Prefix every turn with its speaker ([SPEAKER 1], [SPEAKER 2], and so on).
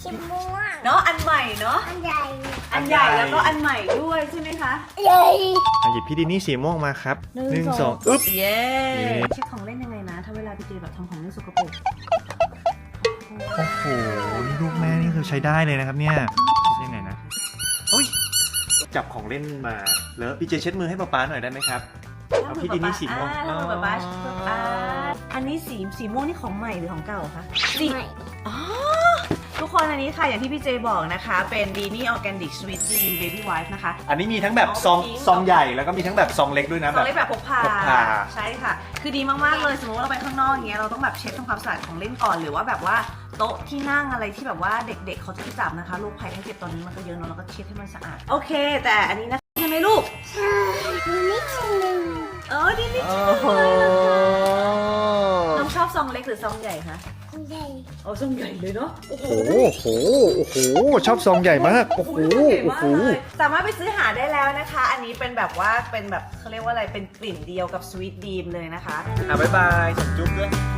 [SPEAKER 1] สีม่วง
[SPEAKER 2] เนาะอันใหม่เนาะ
[SPEAKER 1] อันใหญ่
[SPEAKER 2] อันใหญ่แล้วก็อันใหม่ด้วยใช่ไหมคะ
[SPEAKER 1] ใหญ่
[SPEAKER 3] หยิบพี่ดินี่สีม่วงมาครับ
[SPEAKER 2] หนึ่งสอง
[SPEAKER 3] อึ๊บ
[SPEAKER 2] เย้
[SPEAKER 3] เย้
[SPEAKER 2] เช็คของเล่นยังไงนะถ้าเวลาพี่เจแบบทำของเล่นสกปรก
[SPEAKER 3] โอ้โหนี่ลูกแม่นี่คือใช้ได้เลยนะครับเนี่ยเช็ดยังไงนะโอ้ยจับของเล่นมาแล้วพี่เจเช็ดมือให้ป๊าๆหน่อยได้ไหมครับ เอาพี่ดินี่สีม่วง
[SPEAKER 2] แล้วมือป๊าอันนี้สีม่วงนี่ของใหม่หรือของเก่าคะสี
[SPEAKER 1] ใหม่
[SPEAKER 2] อ๋อทุกคนอันนี้ค่ะอย่างที่พี่เจบอกนะคะเป็นดีนี่ออร์แกนิกสวีทดีเบบี้ไวฟ์นะคะ
[SPEAKER 3] อันนี้มีทั้งแบบซองใหญ่แล้วก็มีทั้งแบบซองเล็กด้วยนะ
[SPEAKER 2] ของเล่นแบบพกพา
[SPEAKER 3] พกพา
[SPEAKER 2] ใช่ค่ะ คือดีมากๆเลยสมมติว่าเราไปข้างนอกอย่างเงี้ยเราต้องแบบเช็ดทำความสะอาดของเล่นก่อนหรือว่าแบบว่าโต๊ะที่นั่งอะไรที่แบบว่าเด็กๆเขาจะไปจับนะคะโรคภัยไข้เจ็บตอนนี้มันก็เยอะเนอะเราก็เช็ดให้มันสะอาดโอเค แต่อันนี้นะใช่ไหมลูก
[SPEAKER 1] ใช่มีนิดนึง
[SPEAKER 2] ดีนี่
[SPEAKER 3] โอ้โห
[SPEAKER 2] น้องชอบซองเล็กหรือซองใหญ่คะ
[SPEAKER 1] อันใหญ่
[SPEAKER 2] โอ้ซองใหญ่เลยเนาะโอ้โห
[SPEAKER 3] โอ้โหโอ้โหชอบซองใหญ่มากโอ้โห
[SPEAKER 2] โอ้
[SPEAKER 3] โอ้
[SPEAKER 2] โห
[SPEAKER 3] โห
[SPEAKER 2] สามารถไปซื้อหาได้แล้วนะคะ อันนี้เป็นแบบว่าเป็นแบบเขาเรียกว่าอะไรเป็นกลิ่นเดียวกับสวีทดีมเลยนะคะ
[SPEAKER 3] บ๊ายบายส่งจุ๊บด้วย